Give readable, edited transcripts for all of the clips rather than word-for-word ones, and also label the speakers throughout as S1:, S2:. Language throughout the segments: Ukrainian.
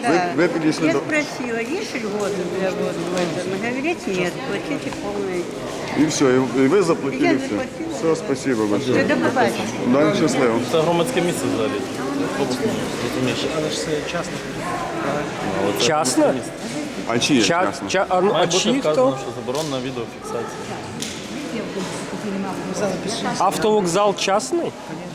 S1: Ви підійшли
S2: Я
S1: до...
S2: спросила, есть льготы для вот в этом? Говорят, нет, платите полный.
S1: І все, і ви заплатили
S2: Я
S1: все.
S2: заплатила.
S1: Все, спасибо большое.
S2: До побачення.
S1: Дай щасливо.
S3: Це громадське місце взагалі. Розумієш?
S4: Але ж це частно.
S5: Частно?
S1: А чи є
S5: Ча,
S1: чесно?
S5: ча, а,
S3: Має
S5: а
S3: бути
S5: чиї
S3: вказано,
S5: хто?
S3: що заборонена відеофіксація.
S5: Автовокзал частный?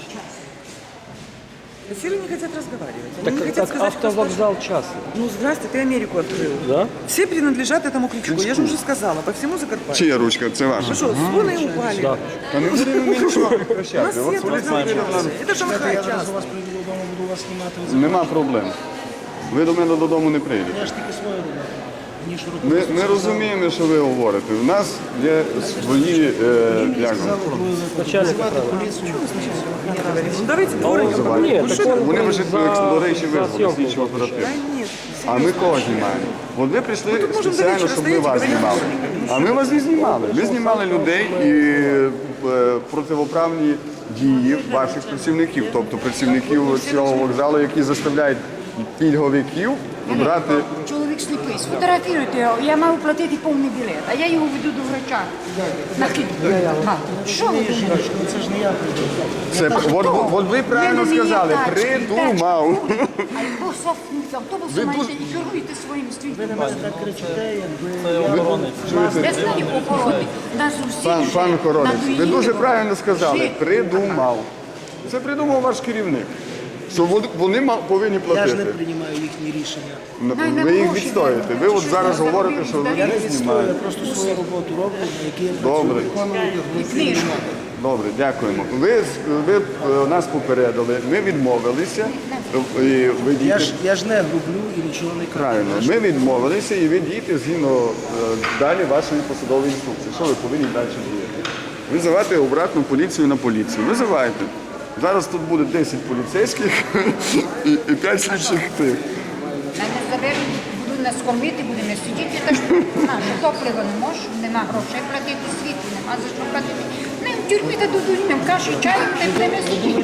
S6: Все не хотят разговаривать. Они
S5: Так,
S6: не хотят
S5: так
S6: сказать, кто
S5: автовокзал частный.
S6: Ну, здрасте, ты Америку открыл.
S5: Да?
S6: Все принадлежат этому Кличко. Я же уже сказала, по всему Закарпатью.
S1: Чия ручка? Це ваша?
S6: Ну что, слоны упали.
S5: Да.
S1: Та не будемо ми нічого
S6: У нас
S1: прекращати. От
S6: свет разговаривали. Это Шанхай
S4: Я зараз
S6: часто.
S4: у вас прийду додому, буду вас знімати.
S1: Нема проблем. Ви до мене додому не прийдете.
S4: Я ж тільки свою роблю. Ніж руку.
S1: Ми розуміємо, що ви говорите. У нас є свої, як вам,
S5: Начальник
S4: Звати
S5: охраны.
S4: поліцію.
S6: Ну, давайте дворником
S5: Нет,
S6: поговорим.
S5: так он
S1: вони вже, до речі,
S5: за
S1: визвали
S5: съемку
S1: слідчого
S6: Да
S1: оперативно.
S6: нет.
S1: А ми кого знімаємо? От ви прийшли
S6: тут можемо до
S1: спеціально,
S6: вечора
S1: щоб ми
S6: стояти,
S1: вас
S6: говорити.
S1: знімали. А ми вас не знімали. Ми знімали людей і противоправні дії ваших працівників, тобто працівників цього вокзалу, які заставляють пільговиків брати.
S7: Чоловік сліпий, сфотографіруйте його, я маю платити повний білет, а я його веду до врача. Що ви думаєте?
S4: Жіночко, ну це ж не я прийду.
S1: Це, от ви правильно сказали, придумав.
S7: Автобуси маєте і керуєте своїм світом.
S4: Так кричите, якби...
S3: Це охоронець.
S7: Я знаю охорони. Нас усіх
S1: Пан Хоронець, ви
S7: надоїли.
S1: дуже правильно сказали,
S7: Жити.
S1: придумав. Це придумав ваш керівник. Що вони повинні
S4: Я ж
S1: платити.
S4: не приймаю їхні рішення.
S1: Ви їх відстоїте. Ви от зараз говорите, що ви
S4: Я
S1: не
S4: не відстою, я
S1: знімаєте.
S4: просто свою роботу роблю, на якій я
S1: Добре.
S7: Книжку.
S1: Добре, дякуємо. Ви нас попередили, ми відмовилися. І ви дієте
S4: Я ж не грублю і нічого не кажу.
S1: правильно. Ми відмовилися і ви дієте згідно далі вашої посадової інструкції. Що ви повинні далі діяти? Визивати обратну поліцію на поліцію. Визивайте. Зараз тут буде 10 поліцейських і 5 слідчих тих.
S7: Мене заберуть, будуть нас кормити, будемо сидіти, так що наше топливо не може, нема грошей платити, світло нема за що платити. Не в тюрмі та дадуть нам каші, чаю, та й будемо сидіти.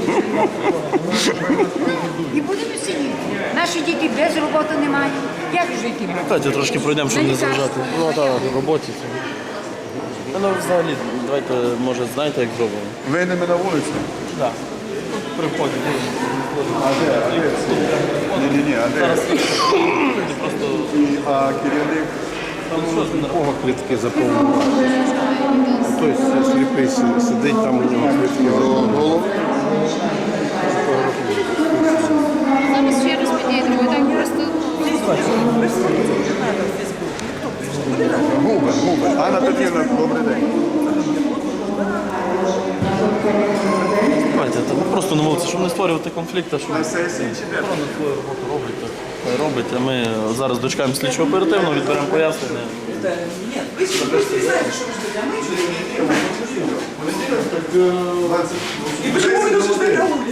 S7: І будемо сидіти. Наші діти без роботи не мають. Як жити?
S3: Давайте трошки пройдемо, щоб не заважати. Ну так, в роботі. Ну взагалі, давайте, може, знаєте, як зробимо?
S1: Вийдемо на вулицю.
S3: Так. При вході.
S1: А де? Ні, а де? А керівник?
S8: Кого квитки заповнювали? Хтось сліпий сидить, там у нього квитки голову.
S9: Зараз ще розподілюємо, так просто
S1: Губер. Анна Петрівна, добрий день.
S3: Давайте, просто на вулиці, щоб не створювати конфлікт, щоб
S1: На сесії чи де?
S3: охорона свою роботу робить, так хай робить. А ми зараз дочекаємо слідчого оперативно, відберемо пояснення.
S6: Нет, вы просто не знаете, что вы ждете, а мы ждем. И почему вы должны стоять на улице?